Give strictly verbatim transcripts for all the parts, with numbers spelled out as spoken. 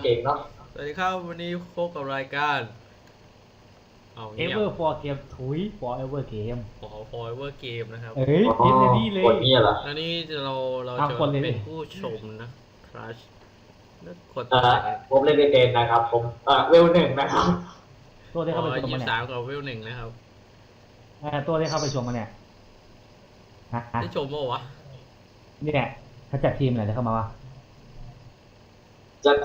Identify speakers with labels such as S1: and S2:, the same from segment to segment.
S1: ก่งเนาะ
S2: สวัสดีครับวันนี้พบกับรายการเอาเงียบ
S3: Ever for Game ถุย Forever Game
S2: ขอ Forever Game นะครับ
S3: เอ้ยพิมพ์ในนี่เลย
S1: กดนี่เหรอ
S2: แล้วนี่เราเรา
S3: เอา
S2: จะ
S3: คนเลยดิ
S2: เป็นผู้ชมนะครัชแล้วกด
S1: เอ่อผมเล่นไม่เป็นนะครับผมเอ่อเวลหนึ่งนะครับ
S3: ตัวที่
S2: ข
S3: เข้า
S2: อ
S3: ไปชม
S2: ยี่
S3: มา
S2: สา
S3: เนี่ย
S2: มกับเวลหนึ่งนะครับ
S3: เออตัวที่เข้าไปชมมาเนี่ยฮะฮะ
S2: ได้ชมป่าวะ
S3: เนี่ยเขาจัดทีมไหนจะเข้ามาวะ
S1: จะ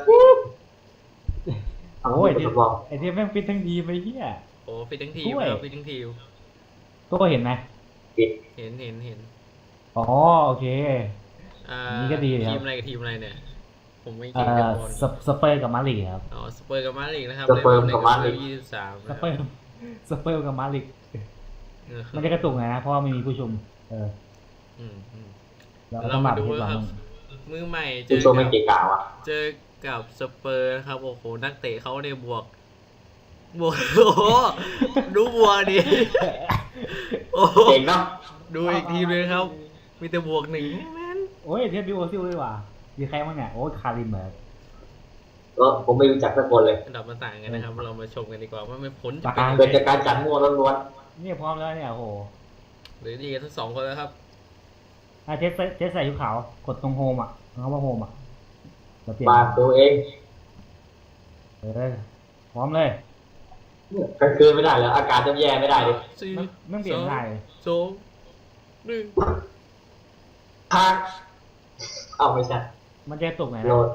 S3: โอ้ย
S1: ท
S3: ที
S1: ดลอง
S3: ไอทีมแม่งฟิตทั้งทีมไปเฮีย
S2: โอ้ฟิตทั้งทีม
S3: ด้วย
S2: ครับฟิตทั้งทีม
S3: ตัวเห็นไหม
S1: ปิด
S2: เห็นเห็นเห็น
S3: อ๋อโอเค
S2: อ่า
S3: นี่ก็ดีครับ
S2: ทีมอะไรกับทีมอะไรเนี่ยผมไม่
S3: เอ่
S2: เก่งกับ
S3: อบ
S2: อล
S3: สสเปอร์กับมาดริดครับ
S2: อ๋อสเปอร์กับมาดริดนะครับ
S1: สเปอร์กับมาดริด
S2: ยี่สิบสาม
S3: สเปอร์สเปอร์กับมาดริด
S2: นะค
S3: มั
S2: รั
S3: น
S2: บ
S3: จะกระตุกหน่อยนะเพราะว่าไม่มีผู้ชมเออ
S2: อืมอืม
S3: เรา
S2: เรา
S3: ต้อง
S2: มา
S3: มา
S2: ดู
S3: ดู
S2: นะ
S3: ก่อน
S2: ครับมือใหม่เจ
S1: คุณ
S2: อ
S1: โซไม่
S2: กับ
S1: เก่งกาวอ่ะ
S2: เจอกับสเปอร์นะครับโอ้โหนักเตะเขาเนี่ยบวก บวก โอ้โหดูบวกดิโอ้โห
S1: เก่งเนาะ
S2: ดูอีกทีเลยครับ มีแต่บวกหนึ่งแม่น
S3: โอ้ยเทียบบิวโอซิลด้วยว่ะมีใครบ้างเนี่ยโอ้ยคาริมเหรอ
S1: ก็ผมไม่รู้จักสักคนเลย
S2: อันดับมันต่างกันนะครับ เรามาชมกันดีกว่าว่าไม่พ้นจะ
S3: ตา
S2: เป็น
S3: ย
S1: เกิดจากการจัดมั่วล้วน
S3: เนี่ยพร้อมแล้วเนี่ยโอ้โห
S2: หรือดีกันทั้งสองคนแล้วครับ
S3: อ่ะเทสเทสใส่ชุดขาวกดตรงโฮมอ่ะเขาว่าโฮมอ่ะเราเปลี่ย
S1: ๆ
S3: น
S1: มาตัวเอง
S3: เออพร้อมเลย
S1: เนี่ยกลางคืนไม่ได้แล้วอากาศจะแย่ไม่ได้เลย
S2: สี่
S3: ไม่ไม่เปลี่ยนได้เลย
S2: สองหนึ่ง
S1: ทางเอาไม่ใช่
S3: มันจะตกไหน
S1: โหล
S3: นะ
S1: ด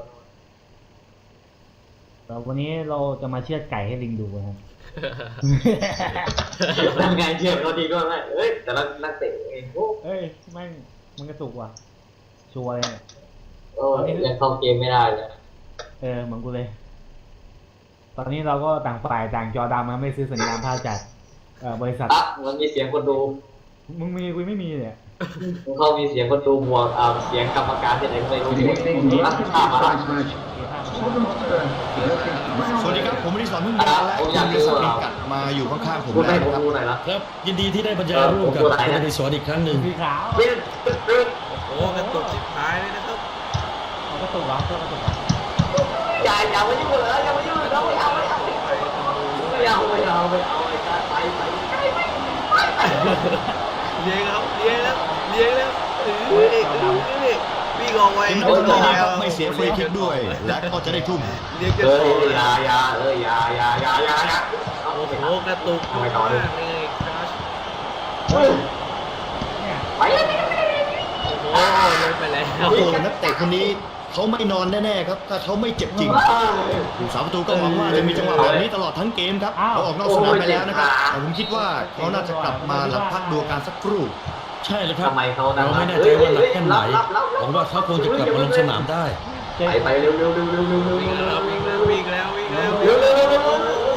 S3: แต่วันนี้เราจะมาเชือดไก่ให้ลิงดูนะครับ
S1: นั่นไงเชื่อมเราดีก็ได้เอ้ยแต่ละนักเตะเองโอ้
S3: เอ้ยไม่งมันกระตุกว่ะชัวร์เลยเนี่ย
S1: โอ้ยยังเข้าเกมไม่ได้เลย
S3: เออเหมือนกูเลย ตอนนี้เราก็ต่างฝ่ายต่างจอดำมาไม่ซื้อสัญญาณภาพจากเอ่อบริษัท
S1: อ่ะมันมีเสียงคนดู
S3: มึงมีกูไม่มีเนี่ย
S1: มันเข้ามีเสียงคนดูบวกอ่าเสียงกรรมการที่ไหนไม่รู้อ่ะข้ามมาละ
S4: สวัสดีครับ ผมอดิศรพึ่งยาและคุณวิศริกัดมาอยู่ข้างๆผม
S1: คุณ
S4: แล้
S1: ให้
S4: ว
S1: ผม
S4: นะครับ
S1: ดูหน่อยละ
S5: ครับยินดีที่ได้บรรยายร่วมกับ
S1: เออผมดูหลาย
S5: คุณ
S1: นะ
S5: อดิศรอีกครั้งหนึ่ง
S3: สีขาว
S1: เป็นตึ๊ดตึ๊ด
S2: โอ้โหกระตุกชิบหายเลยนะครับ
S3: เอากระตุกเหรอเพื่อกระตุกเหรอ
S1: อย่าอย่ามายุ่งเลยอย่ามายุ่งเลยไม่เอาไม่เอาไม่เอาไม่เอาไม่เอาไปไปไป
S2: เลี้ยงครับเลี้ยงแล้วเลี้ยงแล้วเอ้ยเอ้ยเอ้ยวิ่งออกไว้
S4: ทีม
S2: วิ่
S4: คน
S2: งออก
S4: นี้
S2: ไว้
S4: ครับไม่เสียฟรีคิกด้วย และก็จะได้ทุ่ม
S2: เลี้ยงจะ
S1: เอ
S2: โต
S1: อ
S2: เลย
S1: อย่าอย่าเอออย่าอย่าอย่าอย่าอย่าเอา
S2: โอ้
S1: ไป
S2: โหกระตุกมากเลยครับ
S1: เฮ้ย
S3: เนี่ย
S1: ไปเลย
S2: โอ้โหเลยไปแล้ว
S4: โอ้โหนักเตะคนนี้เขาไม่นอนแน่ๆครับ ถ้าเขาไม่เจ็บจริงผู้สาประตูก็หวังว่าจะมีจังหวะแบบนี้ตลอดทั้งเกมครับเขาออกนอกสนามไปแล้วนะครับแต่ผมคิดว่าเขาน่าจะกลับมาหลังพักดูอาการสักครู่
S5: ใช่เลยครับ
S1: ทำไมเขา
S5: เราไม่แน่ใจว่าหนักแค่ไหนหวังว่าเขาคงจะกลับมาลงสนามได้
S3: เจ๊
S1: ไปไปเร็วเร็วเร็วเร็วเร็วเร็ว
S2: วิ่ง
S1: เร็
S2: แล้ว
S1: ว
S2: วิ่งแล้ววิ่งแล้ววิ่งแล้ว
S1: เร็วเร็วเร็วเร็ว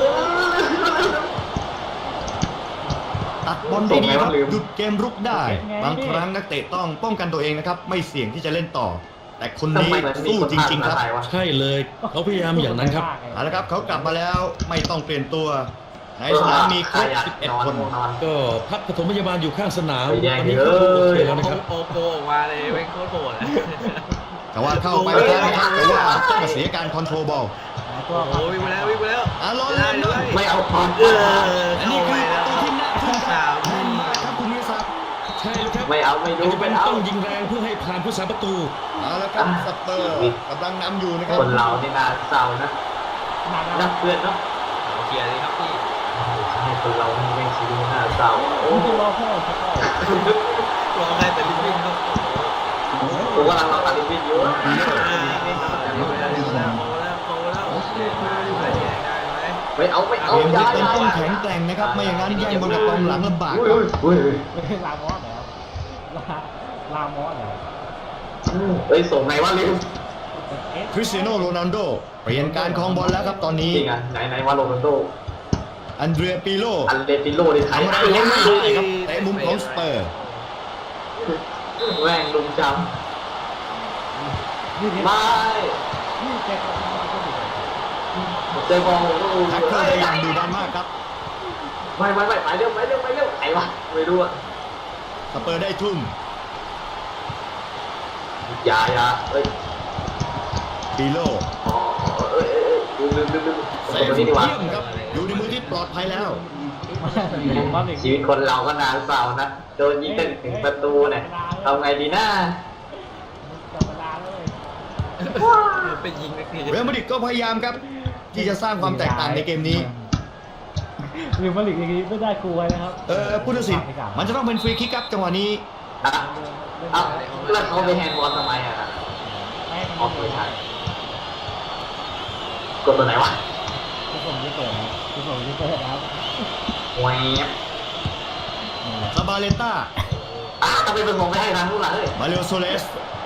S4: ตัดบอลได้ดีครับหยุดเกมรุกได้ บางครั้งนักเตะต้องป้องกันตัวเองนะครับ ไม่เสี่ยงที่จะเล่นต่อ แต่คนนี้สู้จริงๆครับ
S5: ใช่เลยเขาพยายามอย่างนั้นครับ
S4: เอาละครับเขากลับมาแล้วไม่ต้องเปลี่ยนตัว ในสนามมีครบสิบเอ็ดคน
S5: ก็พักปฐมพยาบาลอยู่ข้างสนาม
S1: ไปแย่ง
S5: ตอนนี้
S1: เล
S5: ก็โอเค
S1: ย
S5: แล้วนะครับ
S2: โปโกออกมาเลยเป็นโคตรโหด
S4: แต่ว่าเข้าไปแล้วนะครับแต่ว่าก็เสียการคอนโทรลบอล
S3: ตัว
S2: โอ้โหวิ่งไปแล้ววิ่งไปแล้ว
S4: อ่ะรอ
S2: ได้
S4: เล่น
S2: เล
S4: ด้วย
S2: ย
S1: ไม่เอาพอ
S2: เออ
S4: อัน
S2: เข้า
S4: นี้
S2: ไป
S4: คือประ
S2: แล้ว
S4: ตูที่น่าทึ่ง
S2: สาม
S4: ครับคุณวิศักดิ์
S5: ใช่เลยครับ
S1: ไม่เอาไม่ดู
S5: อาจจะ
S1: ไม่
S5: เป็น
S1: เอา
S5: ต้องยิงแรงเพื่อให้ผ่านผู้สาประตู
S4: เอาละครับสเปอร์กำลังนำอยู่นะครับ
S1: คนเรานี่น่าเศร้านะ
S3: หนัก
S1: นั
S3: นะ
S1: กเพื่อนเนาะ
S2: เอาเคลียร์เลยครับพี่
S1: ให้คนเราไม่ชีวิตน่าเศร้า
S3: โอ้ตัวรอพ่อสักก่อน
S2: รอให้แต่ลิฟวิ่งครับ
S1: ผมกำลังรอตัดวินอยู่
S2: โอ้โหแล้วโอ้แล้วโอ้แล้วโอ้แล้วได้ไหม
S1: ไม่เอาไม่เอา
S4: เกม
S1: อย่า
S4: ที่
S1: อ
S4: ต้
S1: ย่า
S4: องแข็งแกร่งนะครับ ไม่อย่างนั้นแย่งบอลกับกองหลังลำบาก
S1: อุ้
S4: ครับ
S1: ยอุ้ย
S3: ไม่ใช่ลามอสเหรอลาลามอสเหรอ
S1: เฮ้ยส่งไงวะลิว
S3: เอ๊ะ
S4: คริสเตียโนโรนัลโดเปลี่ยนการครองบอลแล้วครับตอนนี้
S1: จริงอ่ะไหนไหนวะโรนัลโด
S4: อันเดรียปิโล
S1: อันเดติโลในไทย
S4: ทำอะไรยังไม่ได้ครับเตะมุมของสเปอร์
S1: แม่งลุงจ
S3: นี่
S1: ำ
S3: เนี่ย
S1: ไม่
S3: นี่แกก็มาก็ดี
S1: เจอบอลก็ดู
S4: แท็กเกิลได้อย่างดุดันมากครับ
S1: ไม่ไม่ไม่ไปเร็วไปเร็วไปเร็วไหนวะไม่รู้อ่ะ
S4: สเปอร์ได้ทุ่ม
S1: อย่าอย่าเอ้ย
S4: ปิโล
S1: อ๋อเอ้ยเอ้ยลืมลืมลืม
S4: เซ
S1: คน
S4: ฟ
S1: นี้ดีกว่า
S4: เยี่ยมครับอยู่ในมือที่ปลอดภัยแล้ว
S1: ชีวิตคนเราก็นานเปล่านะโดนยิงกันถึงประตูเนี่ยทำไงดีนะ
S3: จับเวลาเลย
S2: ไปยิงนักที
S4: เรอัลมาดริดก็พยายามครับ ที่จะสร้างความแตกต่างในเกมนี้
S3: หรือมาหลีกอย่างนี้ไม่ได้กลัวนะครับ
S4: เออผู้ตัดสินมันจะต้องเป็นฟรีคิกครับจังหวะนี้
S1: อ่ะเอ้าแล้วเขาไปแฮนด์บอลทำไมอ่ะออกไม่ใช่กดตัวไหนวะ
S3: ทุกคนจะเปิดนะทุกคนจะเปิดนะครับ
S1: แหวบ
S4: ซาบาเลต้า
S1: อ่ะทำไมเป็นผมไม่ให้ทางนู้นล่ะเฮ้ย
S4: มาเรโอโซเลส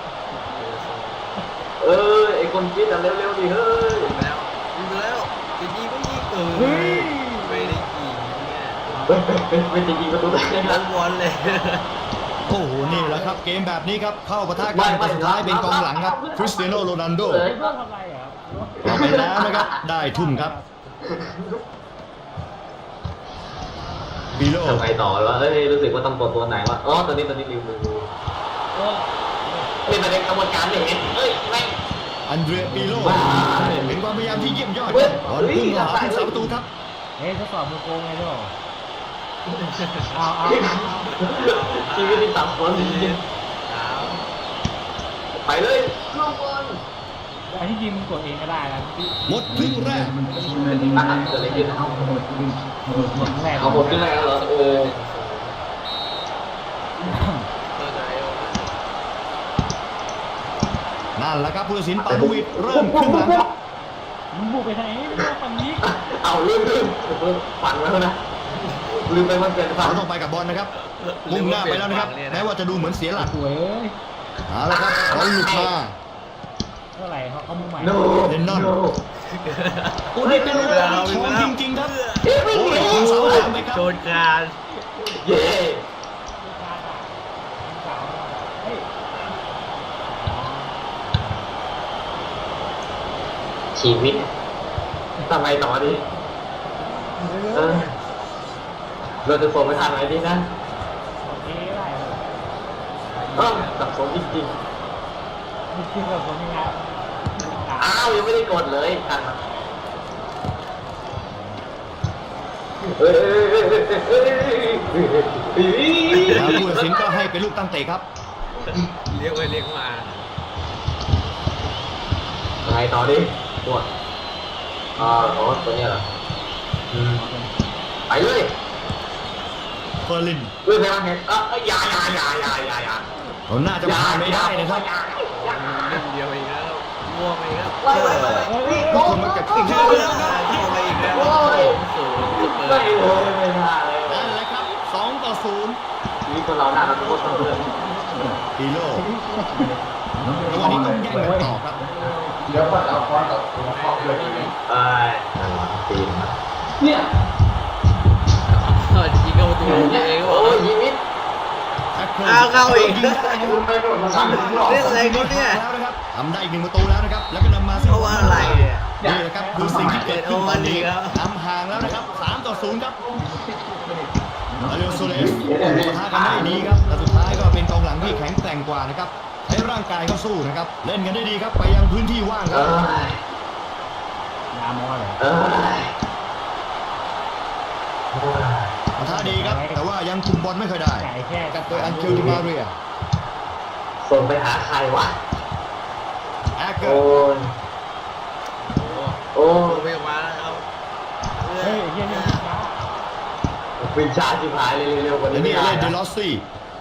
S1: เออไอคนคิดอ่ะเร็วๆดิเฮ้ย
S2: ยิงแล้วยิงแล้วจะยิงก็ยิงเออไม่ได้ยิงเนี่ย
S1: ไม่จริงๆประตูไหน
S2: ล้
S1: นะ
S2: มบอลเลย
S4: โอ้โหนี่แหละครับเกมแบบนี้ครับเข้าปะทะกันแต่สุดท้ายเป็นกองหลังครับคริสเตียโนโรนัลโด
S3: เพื่อทำอะไรเหรอ
S4: เราไปแล้วนะครับได้ทุ่มครับบิโล
S1: ทำไงต่อวะเอ้ยรู้สึกว่าต้องกดตัวไหนวะอ๋อตัวนี้ตัวนี้ลืมลืมลืม
S3: เออ
S1: นี่มันเป็นกระบวนการไม่เห็นเอ้ยแม่ง
S4: อันเดรียปิโล
S1: ว้าว
S4: เป็นความพยายามที่เยี่ยมยอด
S1: เว้ย
S4: บอลพุ่งเข้าหาผู้สาประตูครับ
S3: เฮ้ยทดสอบมือโกงไงด้วยเอาเอา
S1: ชีวิตที่สับสนจริงๆไปเลยลูกบอล
S3: อันที่จริงมึงกดเองก็ได้นะที่
S4: หมดครึ่งแรก
S1: อ่ะเกิดอะไรขึ้น
S3: แรก
S1: เอาหมดขึ้นแล้วเหรอเออ
S4: นั่นแหละครับผู้ตัดสินปาลูวิดเริ่มครึ่งหลังครับ
S3: มึงบุกไปทางนี้ไม่ต้องฝั่งนี้
S1: เอาลืมลืมฝันไว้แล้วนะลืมไปมันเป็นฝัน
S4: เขาต้องไปกับบอลนะครับมุ่งหน้าไปแล้วนะครับแม้ว่าจะดูเหมือนเสียหลัก
S3: สวยเอ้ย
S4: เอาละครับบอลหลุดมา
S3: เท่าไหร่เขาเขามือใหม่
S1: โน
S4: เลนนอน
S1: โ
S4: โอ้นี่เป็นลูกทองจริงๆครับโอ้ยยิงเสาสามไปครับ
S2: โจนการ
S1: เย้
S3: เฮ้ย
S1: ชีวิตทำไมต่อดีเออเราจะส่งไปทางไหนดีนะ
S3: โอเคได้
S1: เออสับสนจริง
S3: มีคิดกับผมยังไง
S1: ๆอ้าวยังไม่ได้กดเลยทันมาเฮ้ยเฮ้ยเฮ้ยเฮ้ยเฮ้ยเฮ้ย
S4: แล้วผู้ตัดสินก็ให้เป็นลูกตั้งเตะครับ
S2: เรียกไปเรียกมา
S1: ไงต่อดิปวดอ่าโอ้ตัวเนี้ยเหรออืมไปเลย
S4: เฟอร์ลิน
S1: เรื่องอะไรเห็นเอออยาอยาอยาอยาอยาอยา
S4: เขาน่าจะผ่านไม่ได้นะครับ
S2: เล่นเดียวอีกแล้วมั่วไปอีกแล้ว
S1: ไล่ไล่ไล่ไล่
S4: ทุกคนมันเก็บขึ้น
S2: เข้า
S4: เข้า
S2: ไป
S4: แล้วครับ
S2: เข้าไปอีกแล้ว
S1: โอ้ย
S2: สูงสุดเล
S1: ไม่
S2: ย
S1: เลยไม่ได้เลย
S4: นั่นแหละครับสองต่อศูนย์
S1: ชีวิตคนเราหน้าเราต้องต้องเลือก
S4: ปีโลจังหวะนี้ต้องแย่งกันต่อครับ
S1: เดี๋ยวก่อนเอาคอนกับคอนเลยเอ้ยตีนเนี่ย
S2: ยิงเข้าประตูเองก็บอก
S1: โอ้ยชีวิต
S4: แท็กเกิล
S2: อ้าวเข้าอีก
S4: ยิงได้นะค
S1: คุ
S4: รับ
S1: ณไปโดนมาสั่งหรอ
S2: เล่นอะไรกันเนี่ย
S4: แล้วนะครับทำได้อีกหนึ่งประตูแล้วนะครับ แล้วก็นำมาซึ่ง
S2: เพราะว่าอะไรเนี่ย
S4: นี่แหละครับคือสิ่งที่เกิดขึ้นตอนนี้
S2: เอาอันนี้ครับ
S4: นำห่างแล้วนะครับสามต่อศูนย์ครับมาเรโอโซเลสปะทะกันได้ดีครับแต่สุดท้ายก็เป็นกองหลังที่แข็งแกร่งกว่านะครับใช้ร่างกายเข้าสู้นะครับ เล่นกันได้ดีครับ ไปยังพื้นที่ว่างค
S1: เอ
S4: รับ
S1: ้ย
S3: ยามอเลย
S1: เอ้ย
S4: ปะทะดีครับ แต่ว่ายังคุมบอลไม่ค่อยได้
S3: ไก่แค่
S4: กัดโดยอันเคิลดิมาเรีย
S1: ส่งไปหาใครวะ
S4: แอคเกอ
S1: โอ้
S4: ร์
S1: ยโอ้
S2: โอ้
S1: ย
S2: ไม่ออกมาแล้วครับ
S3: เฮ้ยเฮียนี่ช้า
S1: วินชาจิบหายเลยเร็วๆกว่า
S4: และ
S1: นี้
S4: นี่
S1: ไม่ได้
S4: เล่นเด
S1: นะ
S4: ลอสซี่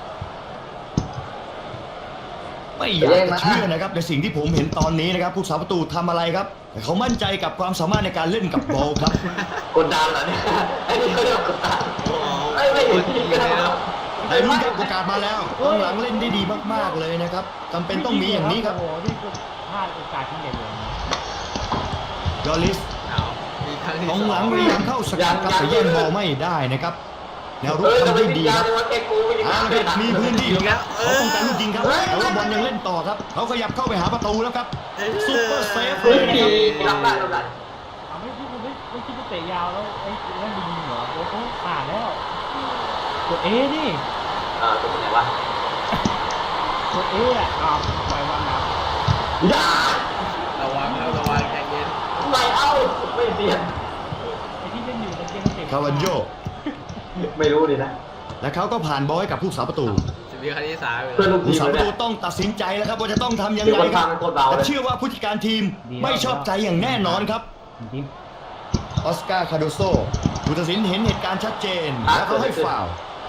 S4: ไม่อยากจะเชื่อนะครับในสิ่งที่ผมเห็นตอนนี้นะครับผู้สาประตูทำอะไรครับแต่เขามั่นใจกับความสามารถในการเล่นกับบอลครับ
S1: กดดันเหรอเนี่ยไอ้นี่เขาเรียกกดดัน
S2: โอ้โห
S1: ไอ้ไม่เห็นจริงๆนะครับ
S4: แต่รุ่นครับโอกาสมาแล้วกองหลังเล่นได้ดีมากๆเลยนะครับจำเป็นต้องมีอย่างนี้ครับ
S3: โอ้โหนี่คือพลาดโอกาสที่เด็ดเลย
S4: ยอริส
S2: เอามีครั้งที่
S4: ก
S2: ส
S4: อ
S2: อง ง
S4: หลังพยายามเข้าสกัดครับแต่แย่งบอลไม่ได้นะครับแนวรุก
S1: เอ้ย
S4: ทำ
S1: ทำไม
S4: ได้
S1: วิญ
S4: ดี
S1: ญา
S4: ค
S1: ณ
S4: รับ
S1: ในวัดแกกูไม่ยัง
S4: เอาละ
S1: ไม่
S4: ครับ
S1: ได้
S4: มีพื้นที่ครับเขาต้องการลูกยิงครับแต่ว่าบอลยังเล่นต่อครับเขาขยับเข้าไปหาประตูแล้วครับซุปเปอร์เซฟเล
S1: เฮ้ย
S4: ยนะครับ
S1: รับได้รับได้
S3: เอาไม่คิดไม่ไม่คิดจะเตะยาวแล้วไอ้เล่นยิงเหรอโอ้โหผ่านแล้วกดเอนี่
S1: อ่าตัวไหนวะ
S3: กดเออ่ะอ้าวปล่อยวันแล้ว
S1: อย่า
S2: ระวังครับระวังใจเย็น
S1: ไม่เอาลี่ยน
S3: ไอ้ที่เล่นอยู่ตะเกียงเตะ
S4: คาวันโย
S1: ไม่รู้ดินะ
S4: และเขาก็ผ่านบอลให้กับผู้สาประตู
S2: สิบวิครั้งที่สามเลย
S1: เพื่อนลูกที
S4: ผู้
S1: ม
S4: สา
S1: เล
S4: ป
S1: ย
S4: ระตู
S1: เนี่ย
S4: ต้องตัดสินใจแล้วครับว่าจะต้องทำยัง
S1: เดี๋ยว
S4: ไง
S1: คน
S4: ครั
S1: ทำ
S4: บ
S1: เป็นคนเบา
S4: แต่
S1: เลย
S4: เชื่อว่าผู้จัดการทีมไม่ชอบใจอย่างแน่นอนครับ
S3: จริง
S4: ออสการ์คาโดโซผู้ตัดสินเห็นเหตุการณ์ชัดเจน แล้วเขาให้ฟาวล์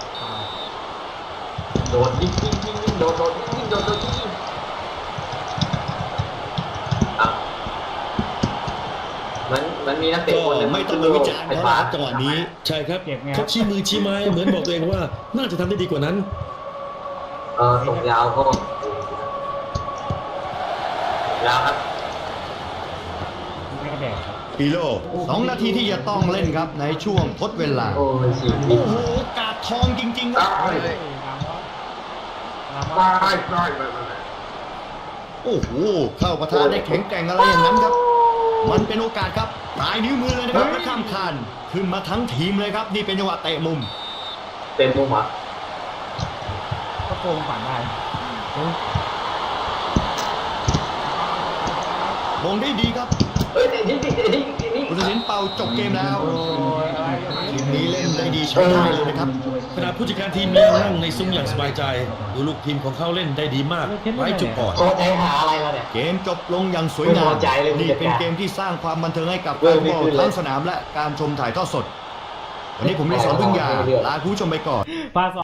S1: โดดยิงยิงยิงยิงโดดโดดยิงยิงโดดโดดยิงยิงอ่ะมันมันมีนักเตะ
S4: ก็
S1: คนหนึง
S4: ไม่ต้องไปวิจารณ์
S1: ไอ้
S4: เขา
S1: ฟ้า
S4: จังหวะนี้
S5: ใช่ครับ
S3: เจ็บไง
S5: เขาชี้มือชี้ไม้เหมือนบอกตัวเองว่าน่าจะทำได้ดีกว่านั้น
S1: เออส่งยาวก็ยาวครับ
S3: ไม่กระแดกครับ
S4: ปีโลสองนาทีที่จะต้องเล่นครับในช่วงทดเวลา
S1: โอ้ยสี่
S4: โอ้โหกาดทองจริงๆครับ
S1: ได้
S3: เฮ้ยรามอสรามอ
S1: ได้
S3: ส
S1: ได้ได้ได้
S4: โอ้โหเข้าประทานได้แข็งแกร่งอะไรอย่างนั้นครับ มันเป็นโอกาสครับปลายนิ้วมือเลยนะครับและข้ามคานขึ้นมาทั้งทีมเลยครับ นี่เป็นจังหวะเตะมุม
S1: เต็มมุมอ่ะ
S3: ก็โกงฝันได้เฮ้ย
S4: มงได้ดีครับ
S1: เฮ้ยนี่นี่นี่นี่นี่
S4: ผู้ตัดสินเป่าจบเกมแล้ว
S3: โอ้ยอะไรกัน
S4: ทีมนี้เล่นได้ดีใช้ได้เลยนะครับ
S5: ขณะผู้จัดการทีมยังนั่งในซุ้มอย่างสบายใจ ดูลูกทีมของเขาเล่นได้ดีมากไร้จุดอ่อน
S1: โอ้ใจหาอะไรล่ะเนี่ย
S4: เกมจบลงอย่างสวยงา
S1: ไม่
S4: ม
S1: พอใจเลย
S4: นี่เป็น
S1: ผู้จัดการ
S4: เกมที่สร้างความบันเทิงให้กับ
S1: เว้
S4: แฟ
S1: ย
S4: น
S1: ไม่
S4: บอล
S1: ขึ้นเลย
S4: ทั้งสนามและการชมถ่ายทอดสด วันนี้ผมได้สอนพึ่งยาลาคุณผู้ชมไปก่อน
S3: ปลาส